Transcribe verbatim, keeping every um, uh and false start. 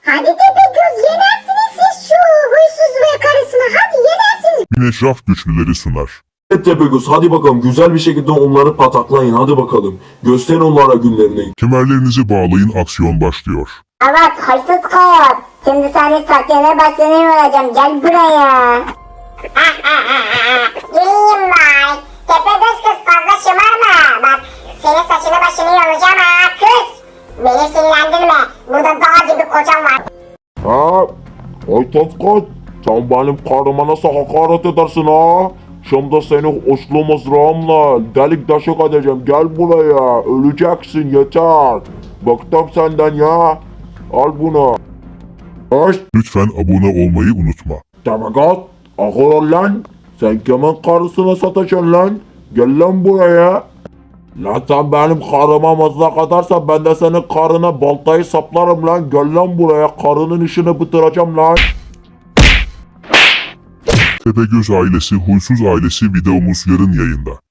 Hadi Tepegöz, yenersiniz siz şu huysuz ve karısını, hadi yenersiniz. Güneş güçlüleri sunar. Evet Tepegöz, hadi bakalım güzel bir şekilde onları pataklayın, hadi bakalım. Gösterin onlara günlerini. Kemerlerinizi bağlayın, aksiyon başlıyor. Evet huysuz kız, şimdi seni saklana başlanıyor olacağım, gel buraya. Geleyim bay. Tepegöz kız, fazla şımarma. Bak senin saçını başını yolacağım ha kız. Beni sinirlendirme, burada dağ gibi kocam var. Ha? Ay Tatkot, sen benim karıma nasıl hakaret edersin ha? Şimdi seni uçlu mızrağımla delik deşik edeceğim, gel buraya, öleceksin yeter. Bıktım senden ya, al bunu. Hoş, Lütfen abone olmayı unutma. Tepegöz, akıl ol lan, sen kimin karısına sataşın lan? Gel lan buraya. Lan sen benim karıma mızrak atarsan ben de senin karına baltayı saplarım lan. Gel lan buraya, karının işini bitireceğim lan. Tepegöz ailesi, Huysuz ailesi videomuz yarın yayında.